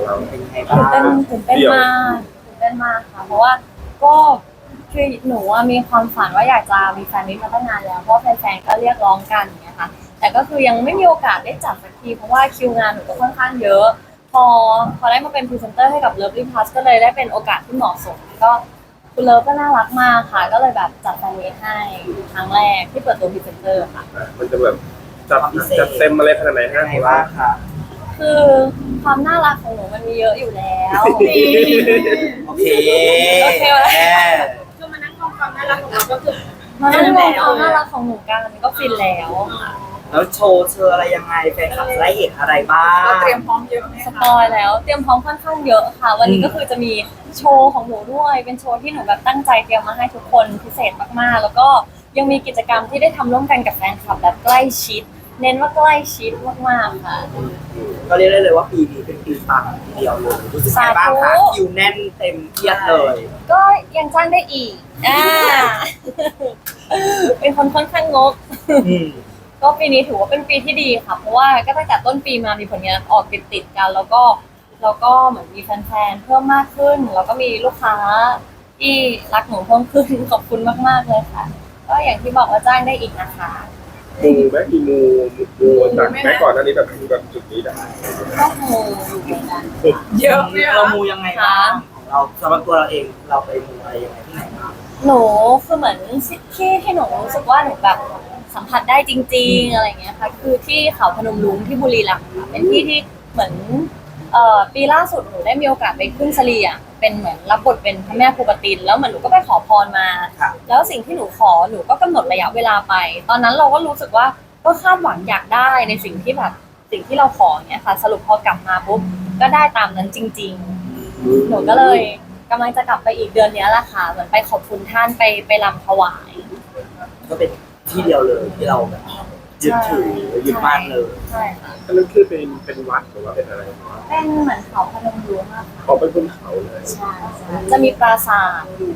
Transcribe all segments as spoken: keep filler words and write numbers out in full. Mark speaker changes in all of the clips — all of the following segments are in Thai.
Speaker 1: เราเป็นไงบ้า
Speaker 2: ตื่นเต้น
Speaker 1: ง
Speaker 2: ตื่นเต้นมากตื่นเต้นมากค่ะเพราะว่าก็คือหนูอะมีความฝันว่าอยากจะมีแฟนมิตมาตั้งนานแล้วเพราะแฟนๆก็เรียกร้องกันอย่างเงี้ยค่ะแต่ก็คือยังไม่มีโอกาสได้จัดสักทีเพราะว่าคิวงานหนูก็ค่อนข้างเยอะพอพอได้มาเป็นพรีเซนเตอร์ให้กับ Lovely Plus ก็เลยได้เป็นโอกาสที่เหมาะสมก็คุณเลิฟก็น่ารักมากค่ะก็เลยแบบจัดแฟนมิตให้ครั้งแรกที่เปิดตัวพรีเซนเตอร์ค่ะ
Speaker 3: มันจะแบบจัดจัดเต็มอะไรขนาดไหน
Speaker 1: ยั
Speaker 3: ฮะ
Speaker 1: งไงบ้างคะ
Speaker 2: คือความน่ารักของหนูมันมีเยอะอยู่แล้ว
Speaker 1: โอเค
Speaker 2: โอเคไหม
Speaker 1: แม่
Speaker 4: คือมานั่งมองความน่ารักของเราก็คือ
Speaker 2: มันไม่มองความน่ารักของหนูกันก็ฟินแล้ว
Speaker 1: แล้วโชว์เชออะไรยังไงแฟนคลับจะได้เห็นอะไรบ้าง
Speaker 4: เราเตรียมพร้อมเยอะไหม
Speaker 2: ส
Speaker 4: คะ
Speaker 2: ปอยแล้วเตรียมพร้อมค่อนข้างเยอะค่ะ วันนี้ก็คือจะมีโชว์ของหนูด้วย เป็นโชว์ที่หนูแบบตั้งใจเตรียมมาให้ทุกคนพิเศษมากๆ แล้วก็ยังมีกิจกรรมที่ได้ทำร่วมกันกับแฟนคลับแบบใกล้ชิด เน้นว่าใกล้ชิดมากๆค่ะ
Speaker 1: ก็เรียกได้เลยว่าปีนี้เป็นปีปังทีเดียวเลยรู้สึกไงบ้างคะ
Speaker 2: สาธุ
Speaker 1: คิวแน่นเต็มเอียดเลย
Speaker 2: ก็ยังจ้างได้อีกอ่า เป็นคนค่อนข้างงก
Speaker 1: อืม
Speaker 2: ก็ปีนี้ถือว่าเป็นปีที่ดีค่ะ เพราะว่าก็ตั้งแต่ต้นปีมามีผลงานออกติดติดๆกัน แล้วก็แล้วก็เหมือนมีแฟนๆเพิ่มมากขึ้น แล้วก็มีลูกค้าที่รักหนูเพิ่มขึ้น ขอบคุณมากๆเลยค่ะ ก็อย่างที่บอกว่าจ้างได้อีกนะคะ
Speaker 3: มูไหมมีมูมูจากแม้ก่อนหน้านี้แบบถึงแบบจุดนี้ได้
Speaker 2: ก็มูอยู่เหมือนกัน
Speaker 4: เยอะไหม
Speaker 1: เรา
Speaker 4: คะ
Speaker 1: มูยังไงบ้างของเราสำหรับตัวเราเองเราไปมูอะไรยังไงที่ไหนบ้าง
Speaker 2: หนูคือเหมือนที่ที่หนูรู้สึกว่าหนูแบบสัมผัสได้จริง ๆอะไรเงี้ยค่ะคือที่เขาพนมรุ้งที่บุรีรัมย์ค่ะเป็นที่ที่เหมือนเอ่อปีล่าสุดหนูได้มีโอกาสไปขึ้นสลีอ่ะเป็นเหมือนรับบทเป็นพระแม่ภูปตินแล้วเหมือนหนูก็ไปขอพรมา
Speaker 1: ค่ะ
Speaker 2: แล้วสิ่งที่หนูขอหนูก็กำหนดระยะเวลาไป ตอนนั้นเราก็รู้สึกว่าก็คาดหวังอยากได้ในสิ่งที่แบบสิ่งที่เราขอเนี่ยค่ะ สรุปพอกลับมาปุ๊บก็ได้ตามนั้นจริง ๆ หนูก็เลยกำลังจะกลับไปอีกเดือนเนี้ยแหละค่ะเหมือนไปขอบคุณท่านไปไปรำถวาย
Speaker 1: ก็เป็นที่เดียวเลยที่เราแบบยึดถือยึดมั่นเลย
Speaker 2: ใช่ค่ะ
Speaker 3: อันนั้นคือเป็นเป็นวัดหรือว่าเป็นอะไร
Speaker 2: เป็นเหมือนเขาพนมรุ้งอะค่ะ
Speaker 3: เขาเป็นบนเขาเลย
Speaker 2: ใช่ใช่จะมีปราสาทอยู่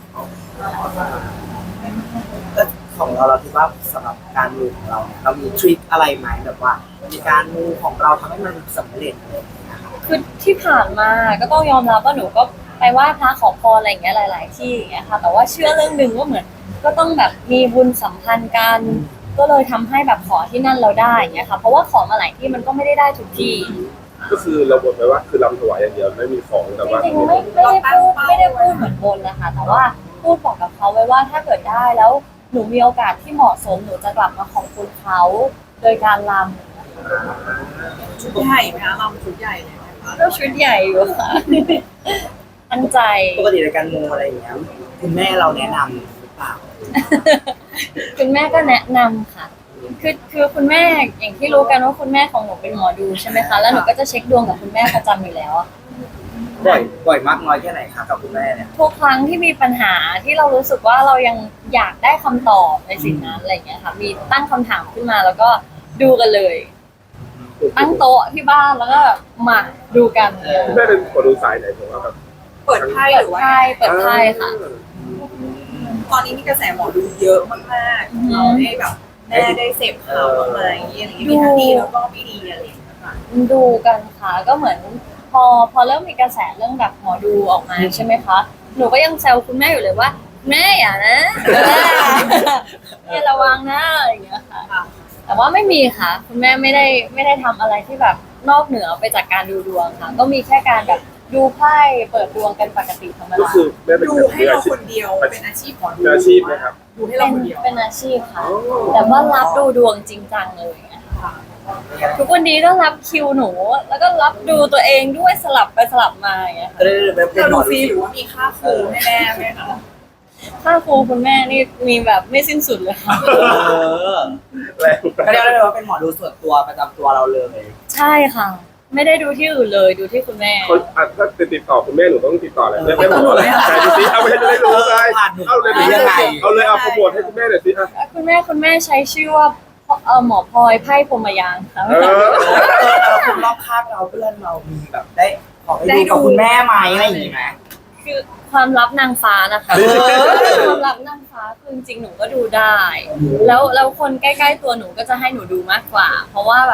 Speaker 1: ก็ของเราเราคิดว่าสำหรับการมูของเราเนี่ยเรามีทริคอะไรไหมแบบว่าในการมูของเราทำให้มันสำเร็จอะไรอย่างเงี้ยค่ะ
Speaker 2: คือที่ผ่านมาก็ต้องยอมรับว่าหนูก็ไปไหว้พระขอพรอะไรอย่างเงี้ยหลาย ๆ ที่อย่างเงี้ยค่ะแต่ว่าเชื่อเรื่องหนึ่งว่าเหมือนก็ต้องแบบมีบุญสัมพันธ์กันก็เลยทำให้แบบขอที่นั่นเราได้อย่างเงี้ยค่ะเพราะว่าของมาหลายที่มันก็ไม่ได้ได้ทุกที่
Speaker 3: ก็คือเราบอกไปว่าคือรำถวายอย่างเดียวไม่มีของแต่ว่า
Speaker 2: จริงๆไม่ไม่ได้พูดไม่ได้พูดเหมือนบนนะคะแต่ว่าพูดบอกกับเขาไว้ว่าถ้าเกิดได้แล้วหนูมีโอกาสที่เหมาะสมหนูจะกลับมาขอบคุณเขาโดยการรำ
Speaker 4: ชุดใหญ่ไหมคะเราชุดใหญ่เลยไหมคะ
Speaker 2: ก็ชุดใหญ่อยู่ค่ะ ตั้งใจ
Speaker 1: ปกติในการมูอะไรอย่างเงี้ยคุณแม่เราแนะนำหรือเปล่า
Speaker 2: คุณแม่ก็แนะนำค่ะ คือคือคุณแม่อย่างที่รู้กันว่าคุณแม่ของหนูเป็นหมอดูใช่ไหมคะ แล้วหนูก็จะเช็คดวงกับคุณแม่ประจำอยู่แล้วอะ
Speaker 1: บ่อยบ่อยมากน้อยแค่ไหนคะกับคุณแม่เนี่ย
Speaker 2: ทุกครั้งที่มีปัญหาที่เรารู้สึกว่าเรายังอยากได้คำตอบในสิ่งนั้นอะไรอย่างเงี้ยค่ะ มีตั้งคำถามขึ้นมาแล้วก็ดูกันเลย ตั้งโต๊ะที่บ้านแล้วก็มาดูกัน
Speaker 3: คุณแม่เป็นคนดูสายไหนผมว่าแบบ
Speaker 4: เปิดไพ่
Speaker 2: เปิ
Speaker 4: ห
Speaker 2: ด
Speaker 4: รือว่า
Speaker 2: ไพ่เปิดไพ่ค่ะ
Speaker 4: ตอนนี้มีกระแสหมอดูเยอะมากๆเราได้แบบแม่ได้เสพข่าวบ้างไหมอะไรอย่างเงี้ยมีทั้งดีแล้วก็ไม่ดีอะไรอย่างเงี้ยค่ะ
Speaker 2: ดูกันค่ะก็เหมือนพอพอเริ่มมีกระแสเรื่องแบบหมอดูออกมาใช่ไหมคะหนูก็ยังแซวคุณแม่อยู่เลยว่าแม่อย่านะแม่ระวังนะอะไรอย่างเงี้ยค่ะ
Speaker 4: ค่ะ
Speaker 2: แต่ว่าไม่มีค่ะ คุณแม่ไม่ได้ไม่ได้ทำอะไรที่แบบนอกเหนือไปจากการดูดวงค่ะ ก็มีแค่การแบบดูไพ่เปิดดวงกันปกติธรรม
Speaker 3: ก็
Speaker 2: ดา
Speaker 3: คือแม่เป็น
Speaker 4: ดู
Speaker 3: แบบ
Speaker 4: ให้
Speaker 3: มือ
Speaker 4: เรา
Speaker 3: อาชี
Speaker 4: ค
Speaker 3: พ
Speaker 4: นเดียวเป็นอาชีพหมอดู
Speaker 3: เป็นอาชีพนะครับ
Speaker 4: ดูให้
Speaker 2: เป็
Speaker 4: เรา
Speaker 2: น
Speaker 4: คนเดียว
Speaker 2: เป็นอาชีพค่ะ แต่ว่ารับดูดวงจริงจังเลยอะ
Speaker 4: ค่ะ
Speaker 2: ทุกวันนี้ก็รับคิวหนู แล้วก็รับดูตัวเองด้วยสลับไปสลับมาอย่างเงี้ยค่ะ
Speaker 1: ก็เลยแบบเป็น
Speaker 4: เรา
Speaker 1: หม
Speaker 4: ดู
Speaker 1: อ
Speaker 4: ฟรีหรือว่ามีค่าครูให้แม่ไหมคะ
Speaker 2: ค่าครูคุณแม่นี่มีแบบไม่สิ้นสุดเลยค่ะ
Speaker 1: เออ
Speaker 3: แรง
Speaker 1: ก็เรียกได้เลยว่าเป็นหมอดูส่วนตัวประจำตัวเราเลย
Speaker 2: ใช่ค่ะ ไม่ได้ดูที่อื่นเลยดูที่คุณแม่
Speaker 3: เขาอ่ะถ้าจะติดต่อคุณแม่หนูต้องติดต่ออะไรแม่แม่บอกอะไรใช่ดูสิเอาไปให้จะได้รู้ไง
Speaker 1: ผ่านหนู
Speaker 3: เอาเลย
Speaker 1: หรือยังไง
Speaker 3: เอาเลยเอาโปรโมทให้คุณแม่หน่อยสิอ่ะ
Speaker 2: คุณแม่คุณแม่ใช้ชื่อว่าเออหมอพลอยไพ่พรหมยานค่ะ
Speaker 3: เออ
Speaker 1: เออเราคนรอบข้างเราเพื่อนเรามีแบบได้ขอไปดูกับคุณแม่ไหมอะไรอย่างงี้ไหม
Speaker 2: คือความลับนางฟ้านะคะ
Speaker 1: เออ
Speaker 2: ความลับนางฟ้าคือจริงๆหนูก็ดูได้ แล้วแล้วคนใกล้ๆตัวหนูก็จะให้หนูดูมากกว่า เพราะว่าแบบ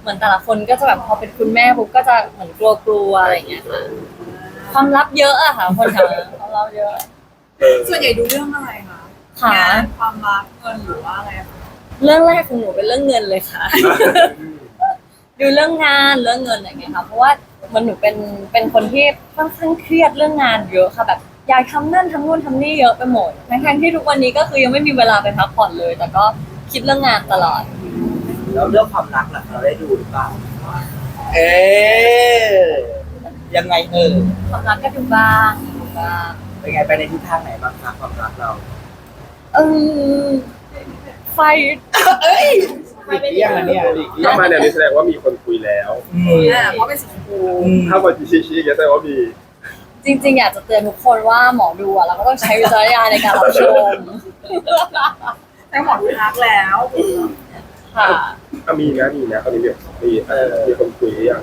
Speaker 2: เหมือนแต่ละคนก็จะแบบพอเป็นคุณแม่ปุ๊บก็จะเหมือนกลัวๆอะไรอย่างเงี้ยค่ะความลับเยอะอะค่ะคนแถวนั้นความลับเยอะ
Speaker 3: เออ
Speaker 4: ส่วนใหญ่ดูเรื่องอะไรคะ
Speaker 2: ค่ะ
Speaker 4: งานความรักเงินหรือว่าอะไรคะ
Speaker 2: เรื่องแรกของหนูเป็นเรื่องเงินเลยค่ะ ดูเรื่องงานเรื่องเงินอะไรอย่างเงี้ยค่ะเพราะว่ามันหนูเป็นเป็นคนที่ค่อนข้างเครียดเรื่องงานเยอะค่ะแบบอยากทำนั่นทำนู่นทำนี่เยอะไปหมดทั้งๆที่ทุกวันนี้ก็คือยังไม่มีเวลาไปพักผ่อนเลย แต่ก็คิดเรื่องงานตลอด
Speaker 1: แล้วเรื่องความรักล่ะเราได้ดูหรือเปล่าเอ๊ะยังไงเออ
Speaker 2: ความรักก็ดูบ้างดูบ้าง
Speaker 1: เป็นไงไปในทิศทางไหนบ้างคะความรักเรา
Speaker 2: เออไฟ
Speaker 1: เอ้ยหลีกเลี่ยงอันเนี้ยหลีกเลี่ย
Speaker 3: ถ้าง มาแนวนี้แสดงว่ามีคนคุยแล้ว
Speaker 1: อืม
Speaker 4: อ่าเพราะเป็นสีชมพู
Speaker 1: อืม
Speaker 3: ถ้ามาชี้ชี้ๆอย่างเงี้ยแสดงว่ามี
Speaker 2: จริงๆ อยากจะเตือนทุกคนว่าหมอดูอะเราก็ต้องใช้วิจารณญาณในการรับชม
Speaker 4: แต่หมอดูทักแล้ว
Speaker 2: ค่ะ
Speaker 3: อ่ะมีนะมีนะตอนนี้แบบมีเออมีคนคุยหรือยัง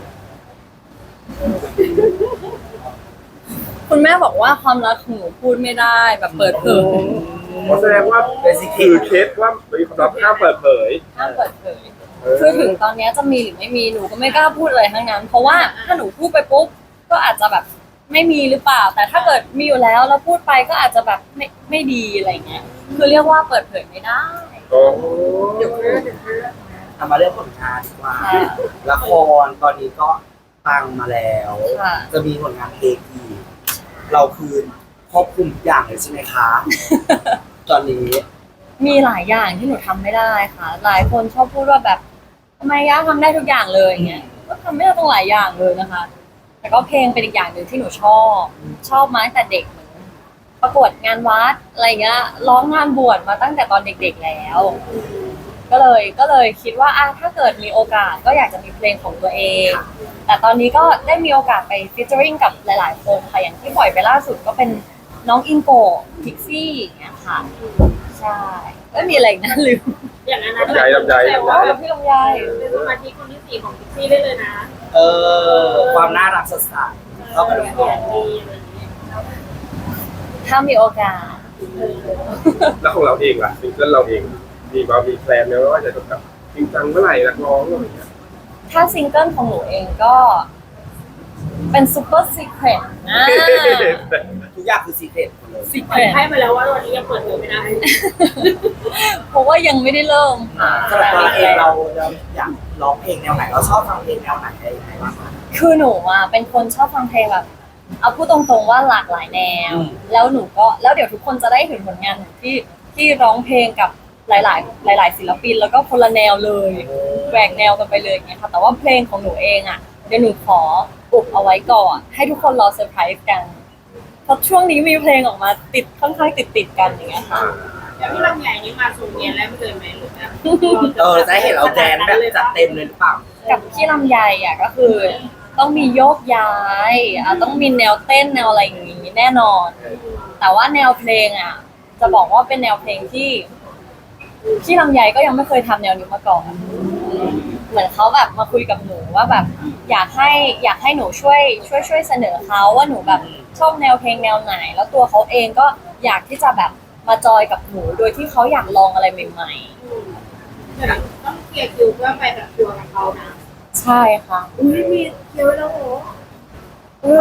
Speaker 2: คุณแม่บอกว่าความรักของหนูพูดไม่ได้แบบเปิดเผย
Speaker 3: เพราะแสดงว่าคือเคสว่ามีความลับห้ามเปิดเผย
Speaker 2: ห้ามเปิดเผย
Speaker 3: เออ
Speaker 2: คือถึงตอนเนี้ยจะมีหรือไม่มีหนูก็ไม่กล้าพูดอะไรทั้งนั้น เพราะว่าถ้าหนูพูดไปปุ๊บก็อาจจะแบบไม่มีหรือเปล่า แต่ถ้าเกิดมีอยู่แล้วแล้วพูดไปก็อาจจะแบบไม่ไม่ดีอะไรเงี้ยคือเรียกว่าเปิดเผยไม่ได้
Speaker 3: โอ้
Speaker 4: เดี๋ยวเรื่องเดี๋ยวเรื่อง
Speaker 1: ทำมาเรื่องผลงานดีกว่า
Speaker 2: ค่ะ
Speaker 1: ละครตอนนี้ก็ปังมาแล้ว
Speaker 2: ค่ะ
Speaker 1: จะมีผลงานเพลงอีกเราคือครอบคลุมทุกอย่างเลยใช่ไหมคะ ตอนนี้
Speaker 2: มีหลายอย่างที่หนูทำไม่ได้ค่ะ หลายคนชอบพูดว่าแบบทำไมย่าทำได้ทุกอย่างเลยอย่างเงี้ยก็ทำไม่ได้ต้องหลายอย่างเลยนะคะ แต่ก็เพลงเป็นอีกอย่างหนึ่งที่หนูชอบ ชอบมาตั้งแต่เด็กเหมือนประกวดงานวัดอะไรเงี้ยร้องงานบวชมาตั้งแต่ตอนเด็กๆแล้ว ก็เลยก็เลยคิดว่าอ่ะถ้าเกิดมีโอกาสก็อยากจะมีเพลงของตัวเอง แต่ตอนนี้ก็ได้มีโอกาสไปฟิชเจอริงกับหลายๆคนค่ะอย่างที่ปล่อยไปล่าสุดก็เป็นน้องอิงโกพิกซี่อย่างเงี้ยค่ะ ใช่ก็มีอะไรอีกนะลืม
Speaker 5: อย่างนั้นนะ
Speaker 3: ลำใจลำใจ
Speaker 5: แต่
Speaker 3: ลำใจ
Speaker 5: ว่า
Speaker 2: กับพี่ลำไย
Speaker 5: เป็นสมาชิกคนที่สี่ของพิกซี่ได้เลยนะ
Speaker 1: เออความน่ารักสดใสเข้ากับทุกค
Speaker 5: เสีย
Speaker 1: น
Speaker 5: งดีอะไรอย่างเงี้ย
Speaker 2: ถ้ามีโอกาส
Speaker 3: แล้วของเราเองล่ะซิงเกิลเราเองมีความมีแพลนไหมว่าจะแบบจริงจังเมื่อไหร่นักร้องอะไรอย่างเงี้ย
Speaker 2: ถ้าซิงเกิลของหนูเองก็เป็นซูเปอร์ซีเครตนะ
Speaker 1: ทุกอย่างคือซีเครตหมดเลย
Speaker 2: ซีเค
Speaker 5: ปล่
Speaker 2: ร
Speaker 5: อย
Speaker 2: ต
Speaker 5: ให้มาแล้วว่าวันนี้ยังเปิดเผยไม่ได้
Speaker 2: เพราะว่ายังไม่ได้เริ่มค่ะ
Speaker 1: สำหรับตัวเราเองเราเราอยากร้องเพลงแนวไหนเราชอบฟังเพลงแนวไหนอะไรยังไงบ้างคะ
Speaker 2: คือหนูอ่ะเป็นคนชอบฟังเพลงแบบ เอาพูดตรงๆว่าหลากหลายแนว
Speaker 1: อืม
Speaker 2: แล้วหนูก็แล้วเดี๋ยวทุกคนจะได้เห็นผลงานหนูที่ที่ร้องเพลงกับหลาย ๆ หลาย ๆ ศิลปิน แล้วก็คนละแนวเลยแหวกแนวกันไปเลยอย่างเงี้ยค่ะแต่ว่าเพลงของหนูเองอ่ะเดี๋ยวหนูขออุบเอาไว้ก่อน ให้ทุกคนรอเซอร์ไพรส์กันเพราะช่วงนี้มีเพลงออกมาติดค่อนข้างติดๆกันอย่างเงี้ยค่ะ
Speaker 5: แล้วพี่ลำใหญ่นี่มาสูงเนียนแล้วไม่เคยไหมหรือแบบ
Speaker 1: เออจะให้เห็นเราแดนแบบจัดเต็มเลยหรือเปล่า
Speaker 2: กับพี่ลำไยอ่ะก็คือ ต้องมีโยกย้ายอ่ะต้องมีแนวเต้นแนวอะไรอย่างงี้แน่นอน แต่ว่าแนวเพลงอ่ะ จะบอกว่าเป็นแนวเพลงที่พี่ลำไยก็ยังไม่เคยทำแนวนี้มาก่อนเหมือนเขาแบบมาคุยกับหนูว่าแบบ อยากให้อยากให้หนูช่วยช่วยช่วยเสนอเขาว่าหนูแบบชอบแนวเพลงแนวไหน แล้วตัวเขาเองก็อยากที่จะแบบมาจอยกับหนูโดยที่เขาอยากลองอะไรใหม่
Speaker 5: เดี๋ยวต้องเคลียร์คิวเพื่อไปแบบทัวร์กับเขานะ
Speaker 2: ๆ ใช่ค่ะ
Speaker 5: อุ้ยมีเคลียร์ไว้แล้วโห
Speaker 2: เอ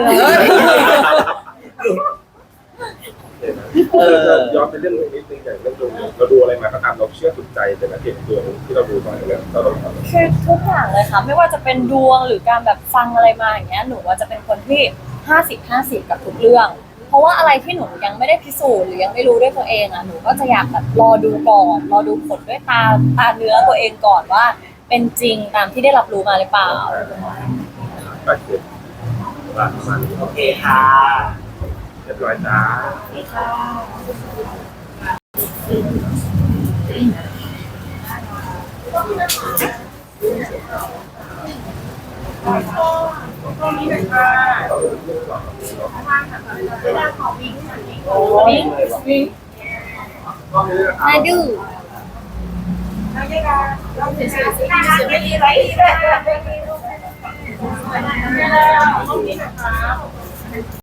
Speaker 2: อ
Speaker 1: เออ
Speaker 3: ย้อนไปเรื่องนี้นิดนึงอย่างเรื่องดวงเราดูอะไรมาก็ตามเราเชื่อสุดใจแต่ละเหตุดวงที่เราดูมาเนี่ยเราต้องทำ
Speaker 2: คือทุกอย่างเลยค่ะ ไม่ว่าจะเป็นดวงหรือการแบบฟังอะไรมาอย่างเงี้ยหนูว่าจะเป็นคนที่ห้าสิบห้าสิบกับทุกเรื่อง เพราะว่าอะไรที่หนูยังไม่ได้พิสูจน์หรือยังไม่รู้ด้วยตัวเองอ่ะหนูก็จะอยากแบบรอดูก่อนรอดูผลด้วยตาตาเนื้อตัวเองก่อนว่า เป็นจริงตามที่ได้รับรู้มาหรือเปล่า
Speaker 3: ก็คือประมาณนี้
Speaker 1: โอเคค่ะ
Speaker 3: เรียบร้อยจ้า
Speaker 2: วิ่งวิ่งมาดู
Speaker 5: เราเสียเสียเสียเสียไม่ดีไรดีเลย